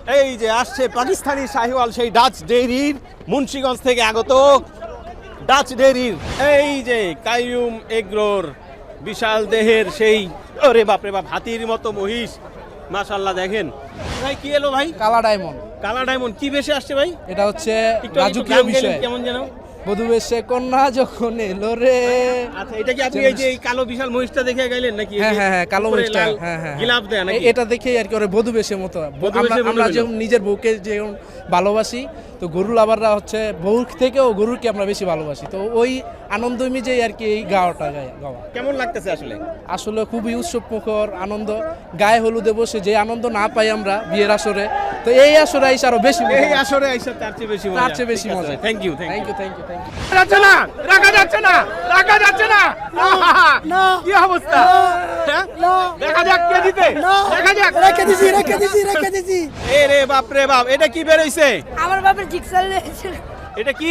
এই যে আসছে পাকিস্তানি শাহিওয়াল, সেই ডাচ ডেইরির মুন্সিগঞ্জ থেকে আগত ডাচ ডেইরির। এই যে কাইয়ুম এগ্রোর বিশাল দেহের সেই, ওরে বাপরে বাপ, হাতির মতো মহিষ, মাশাআল্লাহ। দেখেন ভাই কি এলো ভাই? কালা ডায়মন্ড। কালা ডায়মন্ড কি বেশে আসছে ভাই? এটা হচ্ছে একটু রাজকীয় বিষয়। কেমন যেন বধূ বেশে কন্যা যখন এলো রে। আচ্ছা, এটা কি আপনি এই যে এই কালো বিশাল মহিষটা দেখে গাইলেন নাকি? হ্যাঁ হ্যাঁ হ্যাঁ, কালো উপরে মহিষটা। লাল হ্যাঁ হ্যাঁ, গিলাফ দেয়া নাকি? এটা দেখেই আর কি ওরে বধূ বেশের মতো। বধূ বেশে মনে আমরা হলো। যেমন নিজের বউকে যেমন ভালোবাসি, তো গরু লাভাররা হচ্ছে বউর থেকেও গরুরকে আমরা বেশি ভালোবাসি। তো ওই আনন্দ মিজেই আর কি এই গাওয়াটা গাওয়া। কেমন লাগতেছে আসলে? আসলে খুবই উৎসব মুখর আনন্দ। গায়ে হলুদে বসে যে আনন্দ না পাই আমরা বিয়ের আসরে, তো এই আসরে আইসা আরো বেশি মজা। এই আসরে আইসা তার চেয়ে বেশি মজা। তার চেয়ে বেশি মজা। Thank you thank you thank you thank you. যাচ্ছে না, রাখা যাচ্ছে না, রাখা যাচ্ছে না। কি অবস্থা? হ্যাঁ? দেখা যাক কে জিতে। দেখা যাক। রেখে দিছি। এ রে বাপ রে বাপ, এটা কি বের হইছে? আমার বাপের জিক্সার লেগেছিল। এটা কি?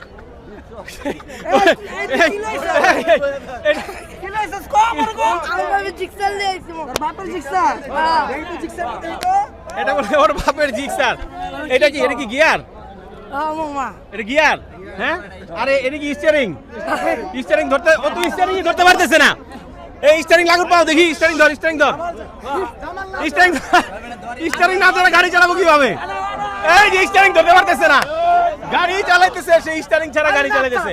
আমার বাপের জিক্সার লেগেছিল। বাপের জিক্সার। এটা বলে ওর বাপের জিক্সার। এটা কি? এটা কি গিয়ার? মামা। এটা গিয়ার? হ্যাঁ? আরে এটা কি স্টিয়ারিং? স্টিয়ারিং ধরতে, ও তো স্টিয়ারিং ধরতে পারতেছে না। এই স্টিয়ারিং লাগুর পাও দেখি, স্টিয়ারিং ধর, স্টিয়ারিং ধর। স্টিয়ারিং না ধরে গাড়ি চালাবো কিভাবে? এই যে স্টিয়ারিং ধরতে পারতেছে না, গাড়ি চালাইতেছে, সেই স্টিয়ারিং ছাড়া গাড়ি চালাইতেছে।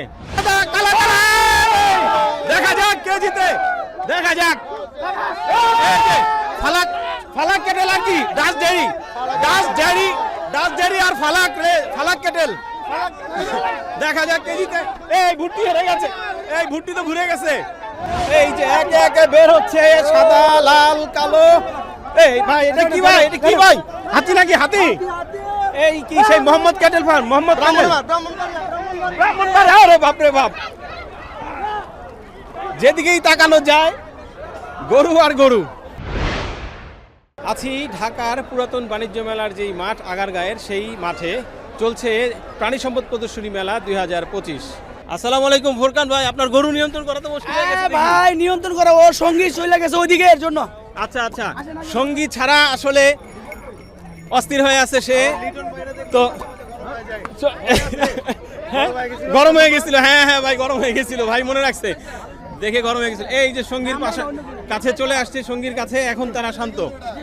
দেখা যাক কে জিতে, দেখা যাক। এই যে ফালাক, ফালাক কেটেল আর কি Dutch dairy, Dutch dairy, Dutch dairy আর ফালাক রে, ফালাক কেটেল। দেখা যাক কে জিতে। এই ভুট্টি হেরে গেছে, এই ভুট্টি তো ঘুরে গেছে। এই যে একে একে বের হচ্ছে সাদা লাল কালো। এই ভাই এটা কি ভাই? এটা কি ভাই? হাতি নাকি? হাতি? এই কি সেই মোহাম্মদ ক্যাটেল ফার্ম? মোহাম্মদ ব্রাহ্মণবাড়িয়া। আরে বাপ রে বাপ, যেদিকেই তাকানো যায় গরু আর গরু। আছি ঢাকার পুরাতন বাণিজ্য মেলার যেই মাঠ আগারগাঁয়ের, সেই মাঠে চলছে প্রাণী সম্পদ প্রদর্শনী মেলা 2025। আসসালামু আলাইকুম ফোরকান ভাই, আপনার গরু নিয়ন্ত্রণ করা তো মুশকিল হয়ে গেছে দেখি। ভাই নিয়ন্ত্রণ করা, ও সঙ্গী চলে গেছে ওইদিকে, এর জন্য। আচ্ছা আচ্ছা, সঙ্গী ছাড়া আসলে অস্থির হয়ে আছে সে তো। হ্যাঁ, গরম হয়ে গেছিল। হ্যাঁ হ্যাঁ ভাই, গরম হয়ে গেছিল ভাই, মনে রাখছে, দেখে গরম হয়ে গেছিল। এই যে সঙ্গীর পাশে কাছে চলে আসছে, সঙ্গীর কাছে, এখন তারা শান্ত।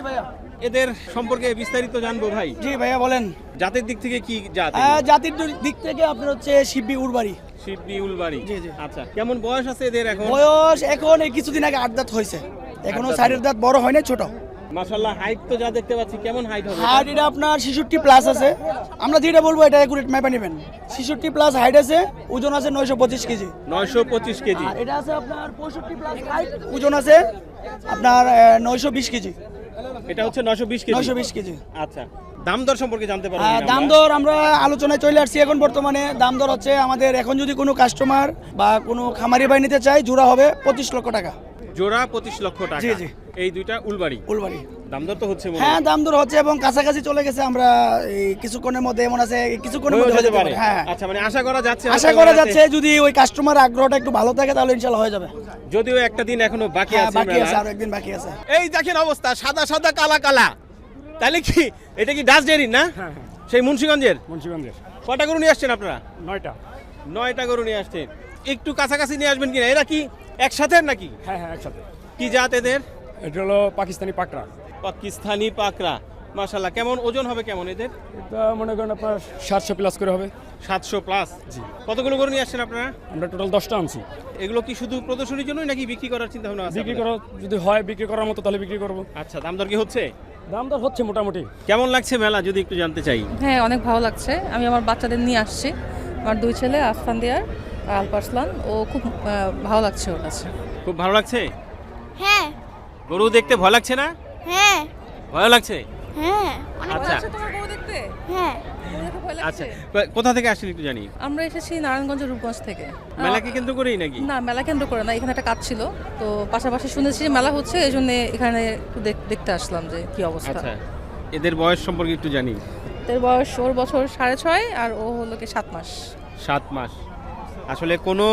এদের সম্পর্কে বিস্তারিত জানবো ভাই। জি ভাইয়া বলেন। জাতের দিক থেকে কি জাত? জাতির দিক থেকে আপনার হচ্ছে শিববি উড়বাড়ি। শিববি উলবাড়ি। জি, জি। আচ্ছা, কেমন বয়স আছে এদের এখন? বয়স এখন এই কিছুদিন আগে 8 দাঁত হয়েছে, এখনো আট দাঁত। সাইডের দাঁত বড় হয় না, ছোট। মাশাআল্লাহ, হাইট তো যা দেখতে পাচ্ছি, কেমন হাইট হবে? হাইট এটা আপনার 66 প্লাস আছে। আমরা যেটা বলবো এটা একুরেট ম্যাপে নেবেন। 66 প্লাস হাইট আছে, ওজন আছে 925 কেজি। 925 কেজি। আর এটা আছে আপনার 65 প্লাস হাইট, ওজন আছে আপনার 920 কেজি। এটা হচ্ছে 920 কেজি। 920 কেজি। আচ্ছা, দাম দর সম্পর্কে জানতে পারবো? দাম দর আমরা আলোচনায় চলে আসছি এখন বর্তমানে। দাম দর হচ্ছে আমাদের এখন যদি কোনো কাস্টমার বা কোনো খামারি ভাই নিতে চায়, জোড়া হবে 25 লক্ষ টাকা। জোড়া 25 লক্ষ টাকা। জি, জি। এই দুইটা উলবাড়ি। উলবাড়ি। দাম দর তো হচ্ছে মনে হ্যাঁ, হয়। দাম দর হচ্ছে এবং কাছাকাছি চলে গেছে। আমরা এই কিছুক্ষণের মধ্যে, এমন আছে কিছুক্ষণের হয়েও মধ্যে হয়ে যেতে যেতে পারে। পারে। হ্যাঁ, আচ্ছা, মানে আশা করা যাচ্ছে, আশা করা যাচ্ছে যদি ওই কাস্টমার আগ্রহটা একটু ভালো থাকে তাহলে ইনশাআল্লাহ হয়ে যাবে। যদিও একটা দিন এখনো বাকি হ্যাঁ, আছে বাকি আছে, মেলার। আর একদিন বাকি আছে। এই দেখেন অবস্থা, সাদা সাদা কালা কালা। তাহলে কি এটা কি ডাচ ডেইরি না? সেই মুন্সিগঞ্জের। মুন্সিগঞ্জের কয়টা গরু নিয়ে আসছেন আপনারা? 9টা। 9টা গরু নিয়ে আসছেন। একটু কাছাকাছি নিয়ে আসবেন কিনা? এরা কি একসাথে নাকি? হ্যাঁ হ্যাঁ, একসাথে। কি জাত এদের? এটা হলো পাকিস্তানি পাকড়া। পাকিস্তানি পাকড়া। মাশাআল্লাহ, কেমন ওজন হবে কেমন এদের? এটা মনে করেন আপনার 700 প্লাস করে হবে। 700 প্লাস। জি। কতগুলো গরু নিয়ে আসছেন আপনারা? আমরা টোটাল 10টা আনছি। এগুলো কি শুধু প্রদর্শনীর জন্যই নাকি বিক্রি করার চিন্তা ভাবনা আছে? বিক্রি আপনাদের? করা যদি হয়, বিক্রি করার মতো তাহলে বিক্রি করব। আচ্ছা, দাম দর কি হচ্ছে? দাম দর হচ্ছে মোটামুটি। কেমন লাগছে মেলা যদি একটু জানতে চাই? হ্যাঁ, অনেক ভালো লাগছে। আমি আমার বাচ্চাদের নিয়ে আসছি, আমার 2 ছেলে আফফান দিয়ার আর আলপারসলান। ও খুব ভালো লাগছে ওর কাছে। খুব ভালো লাগছে? হ্যাঁ গরু দেখতে ভয় লাগছে না? হ্যাঁ ভয় লাগছে? হ্যাঁ অনেক আচ্ছা তোমার গরু দেখতে? হ্যাঁ গরু দেখে ভয় আচ্ছা, লাগছে? কোথা থেকে আসছেন একটু জানি? আমরা এসেছি নারায়ণগঞ্জ রূপগঞ্জ থেকে। মেলাকে কেন্দ্র করেই নাকি? না, মেলা কেন্দ্র করে না, এখানে একটা কাজ ছিল, তো পাশাপাশি শুনেছি যে মেলা হচ্ছে, এই জন্য এখানে একটু দেখতে আসলাম যে কি অবস্থা। আচ্ছা, এদের বয়স সম্পর্কে একটু জানি। এর বয়স, ওর বছর 6.5 আর ও হলো কি 7 মাস। 7 মাস। আসলে কোনো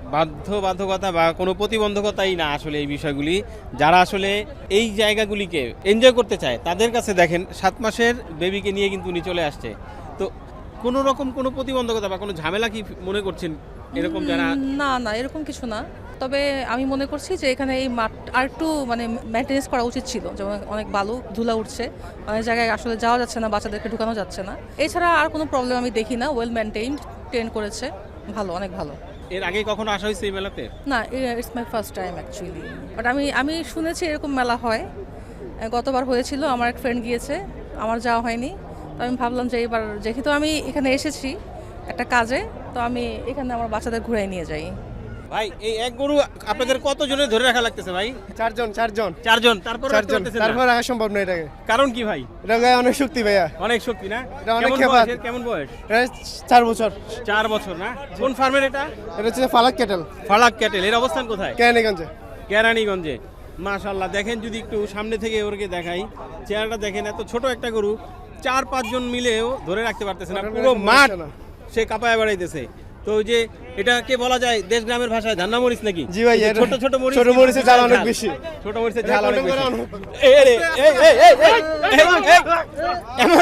বাধ্যবাধকতা বা কোনো প্রতিবন্ধকতাই না আসলে এই বিষয়গুলি। যারা আসলে এই জায়গাগুলিকে এনজয় করতে চায় তাদের কাছে দেখেন 7 মাসের বেবিকে নিয়ে কিন্তু উনি চলে আসছে। তো কোনো রকম কোনো প্রতিবন্ধকতা বা কোনো ঝামেলা কি মনে করছেন এরকম যারা? না না, এরকম কিছু না। তবে আমি মনে করছি যে এখানে এই মাঠ আর একটু মানে মেনটেনেন্স করা উচিত ছিল, যেমন অনেক বালু ধুলা উঠছে, অনেক জায়গায় আসলে যাওয়া যাচ্ছে না, বাচ্চাদেরকে ঢুকানো যাচ্ছে না। এছাড়া আর কোনো প্রবলেম আমি দেখি না, ওয়েল মেনটেইনড, ট্রেন করেছে, ভালো, অনেক ভালো। এর আগে কখনো আসা হয়েছে এই মেলাতে? না, it's my first time actually, but আমি শুনেছি এরকম মেলা হয়, গতবার হয়েছিল, আমার এক ফ্রেন্ড গিয়েছে, আমার যাওয়া হয়নি। তো আমি ভাবলাম যে এবার যেহেতু আমি এখানে এসেছি একটা কাজে, তো আমি এখানে আমার বাচ্চাদের ঘুরাই নিয়ে যাই। ভাই এই এক গরু আপনাদের কত জনের ধরে রাখা লাগতেছে ভাই? চারজন চারজন। তারপর তারপর রাখা সম্ভব নয় এটাকে, কারণ কি ভাই? এটা গায়ে অনেক শক্তি ভাইয়া, অনেক শক্তি না? এটা অনেক কেমন খেপাত। বয়স এর? কেমন বয়স? এটা 4 বছর। 4 বছর না? কোন ফার্মের এটা? এটা হচ্ছে ফালাক ক্যাটেল, ফালাক ক্যাটেল। এর অবস্থান কোথায়? কেরানীগঞ্জে। কেরানীগঞ্জে। মাশাআল্লাহ, দেখেন যদি একটু সামনে থেকে ওরকে দেখাই, চেহারাটা দেখেন, এত ছোট একটা গরু 4-5 জন মিলেও ধরে রাখতে পারতেছে না, পুরো মাঠ সে কাঁপায় বেড়াইতেছে। তো ওই যে এটাকে বলা যায় দেশ গ্রামের ভাষায় ধান্না মরিচ নাকি? জি ভাই, এই যে ছোট ছোট মরিচ, ছোট মরিচের ঝাল অনেক বেশি। ছোট মরিচের ঝাল অনেক বেশি। এই এই রে, এই এই এই এই, এমন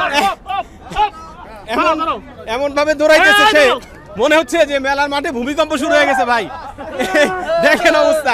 এমন এমন ভাবে দৌড়াইতেছে সে, মনে হচ্ছে যে মেলার মাঠে ভূমিকম্প শুরু হয়ে গেছে ভাই। দেখেন অবস্থা।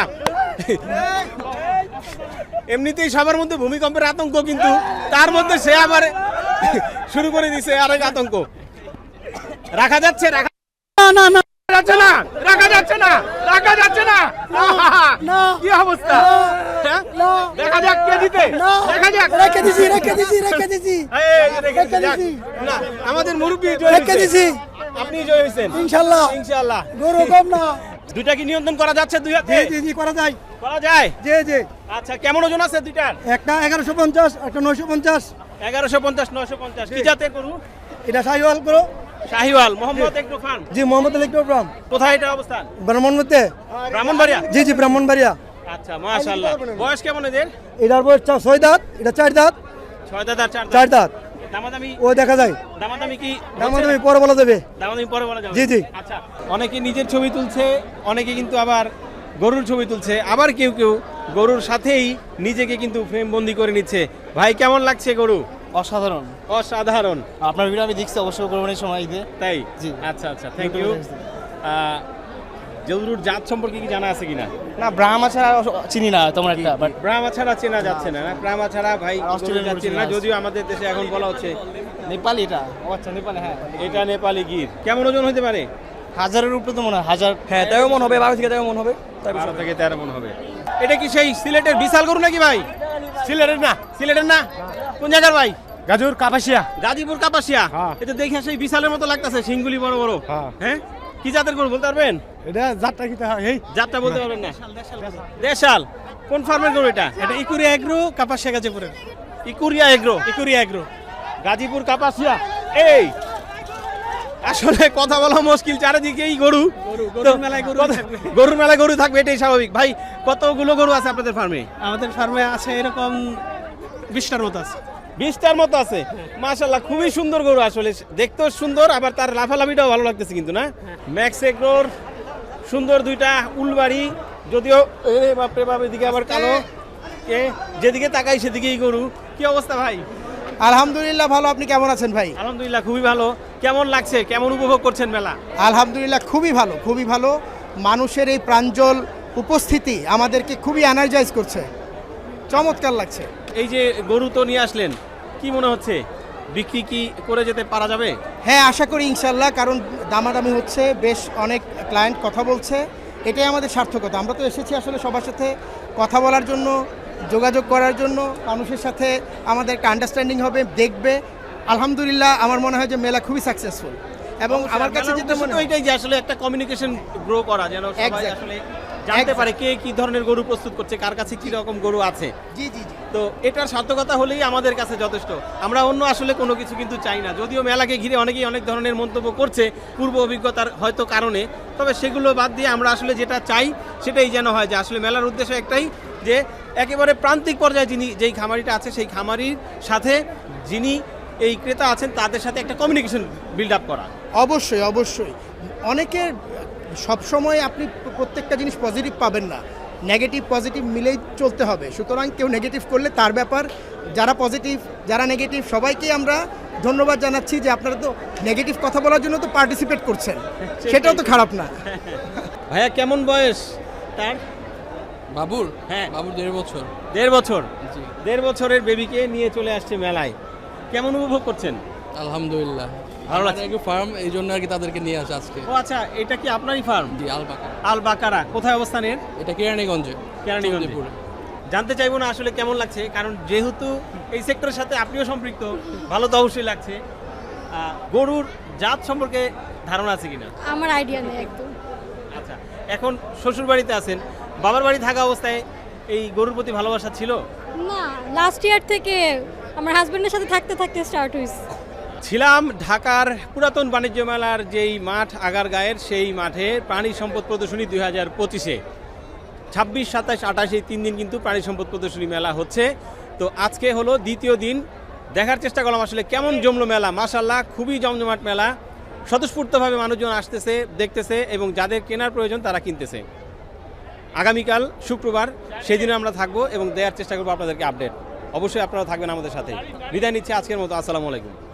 এমনিতেই সবার মধ্যে ভূমিকম্পের আতঙ্ক, কিন্তু তার মধ্যে সে আবার শুরু করে দিছে আরেক আতঙ্ক। রাখা যাচ্ছে? রাখা যাচ্ছে না, রাখা যাচ্ছে না, রাখা যাচ্ছে না। কি অবস্থা? হ্যাঁ? দেখা যাক কে জিতে, দেখা যাক। রেখে দিছি এই, রেখে যাক। না, আমাদের মুরব্বি জয় হয়েছে। আপনি জয় হয়েছেন ইনশাআল্লাহ। ইনশাআল্লাহ। গরু কম না। দুইটা কি নিয়ন্ত্রণ করা যাচ্ছে? দুই হাতে জি করা যায়। করা যায়? জি। আচ্ছা, কেমন ওজন আছে দুইটার? একটা 1150, একটা 950। 1150, 950। কি জাতের গরু? এটা শাহিওয়াল গরু। শাহিওয়াল। মোহাম্মদ একটু খান। জি, মোহাম্মদ আলী ইকরাম। কোথায় এটা অবস্থান? ব্রাহ্মণবাড়িতে। ব্রাহ্মণবাড়িয়া? জি ব্রাহ্মণবাড়িয়া। আচ্ছা, মাশাআল্লাহ। বয়স কেমন এদের? এটার বয়স 6 দাঁত, এটা 4 দাঁত। 6 দাঁত আর 4 দাঁত। 4 দাঁত। দামাদামি? ও দেখা যায়। দামাদামি কি? দামাদামি পরে বলা যাবে। দামাদামি পরে বলা যাবে। জি। আচ্ছা, অনেকে নিজের ছবি তুলছে, অনেকে কিন্তু আবার গরুর ছবি তুলছে, আবার কেউ কেউ গরুর সাথেই নিজেকে কিন্তু ফ্রেম বন্দি করে নিচ্ছে। ভাই কেমন লাগছে গরু? অসাধারণ। অসাধারণ। আপনার ভিডিও আমি দেখছি অবশ্যই কোরবানির সময় ঈদে। তাই? জি। আচ্ছা, থ্যাংক ইউ। গরুর জাত সম্পর্কে কি জানা আছে কিনা? না, ব্রাহ্মা ছাড়া চিনি না তেমন একটা, বাট ব্রাহ্মা ছাড়া চেনা যাচ্ছে না? ব্রাহ্মা ছাড়া ভাই অস্ট্রেলিয়ান গরু চেনা, গরু যদিও আমাদের দেশে এখন বলা হচ্ছে নেপালি এটা। ও আচ্ছা, নেপালি, হ্যাঁ। এটা নেপালি গির। কেমন ওজন হতে পারে? 1000-এর উপরে তো মনে হয়, 1000। হ্যাঁ, 13 মন হবে, 12 থেকে 13 মন হবে। 12 থেকে 13 মন হবে। এটা কি সেই সিলেটের বিশাল গরু নাকি ভাই? সিলেটের না? সিলেটের না? কোন জায়গার ভাই? গাজর কাপাসিয়া। গাজীপুর কাপাসিয়া। হ্যাঁ। এটা দেখে সেই বিশালের মতো লাগতেছে, সিংগুলি বড় বড়। হ্যাঁ, কি জাতের গরু বলতে পারবেন? এটা জাতটা কি হয়? এই জাতটা বলতে পারবেন না? দেশাল। কোন ফার্মের গরু এটা? এটা ইকুরিয়া এগ্রো, কাপাসিয়া গাজীপুরের। ইকুরিয়া এগ্রো। ইকুরিয়া এগ্রো, গাজীপুর কাপাসিয়া। এই আসলে কথা বলা মুশকিল, চারিদিকেই গরু। গরুর মেলায় গরু থাকবে। গরুর মেলায় গরু থাকবে, এটাই স্বাভাবিক। ভাই কতগুলো গরু আছে আপনাদের ফার্মে? আমাদের ফার্মে আছে এরকম 20টার মতো আছে। 20টার মতো আছে। মাশাআল্লাহ, খুবই সুন্দর গরু, আসলে দেখতেও সুন্দর, আবার তার লাফালাফিটাও ভালো লাগতেছে কিন্তু না? ম্যাক্স এগ্রোর সুন্দর দুইটা উলবাড়ি, যদিও বাপরে বাপ, এদিকে আবার কালো, যেদিকে তাকাই সেদিকেই গরু। কি অবস্থা ভাই? আলহামদুলিল্লাহ ভালো। আপনি কেমন আছেন ভাই? আলহামদুলিল্লাহ, খুবই ভালো। কেমন লাগছে? কেমন উপভোগ করছেন মেলা? আলহামদুলিল্লাহ খুবই ভালো, খুবই ভালো। মানুষের এই প্রাঞ্জল উপস্থিতি আমাদেরকে খুবই এনার্জাইজ করছে, চমৎকার লাগছে। এই যে গরু তো নিয়ে আসলেন, কি মনে হচ্ছে বিক্রি কি করে যেতে পারা যাবে? হ্যাঁ, আশা করি ইনশাল্লাহ, কারণ দামাদামি হচ্ছে, বেশ অনেক ক্লায়েন্ট কথা বলছে, এটাই আমাদের সার্থকতা। আমরা তো এসেছি আসলে সবার সাথে কথা বলার জন্য, যোগাযোগ করার জন্য, মানুষের সাথে আমাদের একটা আন্ডারস্ট্যান্ডিং হবে, দেখবে। আলহামদুলিল্লাহ আমার মনে হয় যে মেলা খুবই সাকসেসফুল, এবং আমার কাছে যেটা মনে হয় এটাই যে আসলে একটা কমিউনিকেশন গ্রো করা, যেন সবাই Exactly. আসলে জানতে পারে কে কি ধরনের গরু প্রস্তুত করছে, কার কাছে কি রকম গরু আছে। জি। তো এটার সার্থকতা হলেই আমাদের কাছে যথেষ্ট। আমরা অন্য আসলে কোনো কিছু কিন্তু চাই না, যদিও মেলাকে ঘিরে অনেকেই অনেক ধরনের মন্তব্য করছে পূর্ব অভিজ্ঞতার হয়তো কারণে, তবে সেগুলো বাদ দিয়ে আমরা আসলে যেটা চাই সেটাই যেন হয়, যে আসলে মেলার উদ্দেশ্য একটাই, যে একেবারে প্রান্তিক পর্যায়ে যেই খামারিটা আছে সেই খামারির সাথে যিনি এই ক্রেতা আছেন তাদের সাথে একটা কমিউনিকেশন বিল্ড আপ করা। অবশ্যই। অনেকের সবসময় আপনি প্রত্যেকটা জিনিস পজিটিভ পাবেন না, নেগেটিভ পজিটিভ মিলেই চলতে হবে। সুতরাং কেউ নেগেটিভ করলে তার ব্যাপার, যারা পজিটিভ যারা নেগেটিভ সবাইকেই আমরা ধন্যবাদ জানাচ্ছি যে আপনারা তো নেগেটিভ কথা বলার জন্য তো পার্টিসিপেট করছেন, সেটাও তো খারাপ না। ভাইয়া কেমন বয়স তার? বাবুর হ্যাঁ বাবুর 1.5 বছর। 1.5 বছর, 1.5 বছরের বেবিকে নিয়ে চলে আসছে মেলায়, কেমন উপভোগ করছেন? আলহামদুলিল্লাহ ভালো লাগছে। একটু ফার্ম, এই জন্য আর কি তাদেরকে নিয়ে আসে আজকে। ও আচ্ছা, এটা কি আপনারই ফার্ম? জি, আলবাকা। আল বাকারা কোথায় অবস্থানের? এটা কেরানীগঞ্জে। কেরানীগঞ্জে। চৌধুরীপুরে। জানতে চাইবো না আসলে কেমন লাগছে, কারণ যেহেতু এই সেক্টরের সাথে আপনিও সম্পৃক্ত, ভালো তো অবশ্যই লাগছে। গরুর জাত সম্পর্কে ধারণা আছে কিনা? আমার আইডিয়া নেই একদম। আচ্ছা, এখন শ্বশুর বাড়িতে আছেন, বাবার বাড়ি থাকা অবস্থায় এই গরুর প্রতি ভালোবাসা ছিল? না, লাস্ট ইয়ার থেকে আমার হাজবেন্ডের সাথে থাকতে থাকতে স্টার্ট হয়েছে। ছিলাম ঢাকার পুরাতন বাণিজ্য মেলার যেই মাঠ আগারগাঁয়ের, সেই মাঠে প্রাণী সম্পদ প্রদর্শনী 2025-এ 26, 27, 28 এই 3 দিন কিন্তু প্রাণী সম্পদ প্রদর্শনী মেলা হচ্ছে। তো আজকে হলো দ্বিতীয় দিন, দেখার চেষ্টা করলাম আসলে কেমন জমলো মেলা। মাশাআল্লাহ, খুবই জমজমাট মেলা, স্বতঃস্ফূর্তভাবে মানুষজন আসতেছে, দেখতেছে এবং যাদের কেনার প্রয়োজন তারা কিনতেছে। আগামীকাল শুক্রবার, সেদিনে আমরা থাকবো এবং দেওয়ার চেষ্টা করবো আপনাদেরকে আপডেট। অবশ্যই আপনারা থাকবেন আমাদের সাথে। বিদায় নিচ্ছি আজকের মতো, আসসালামু আলাইকুম।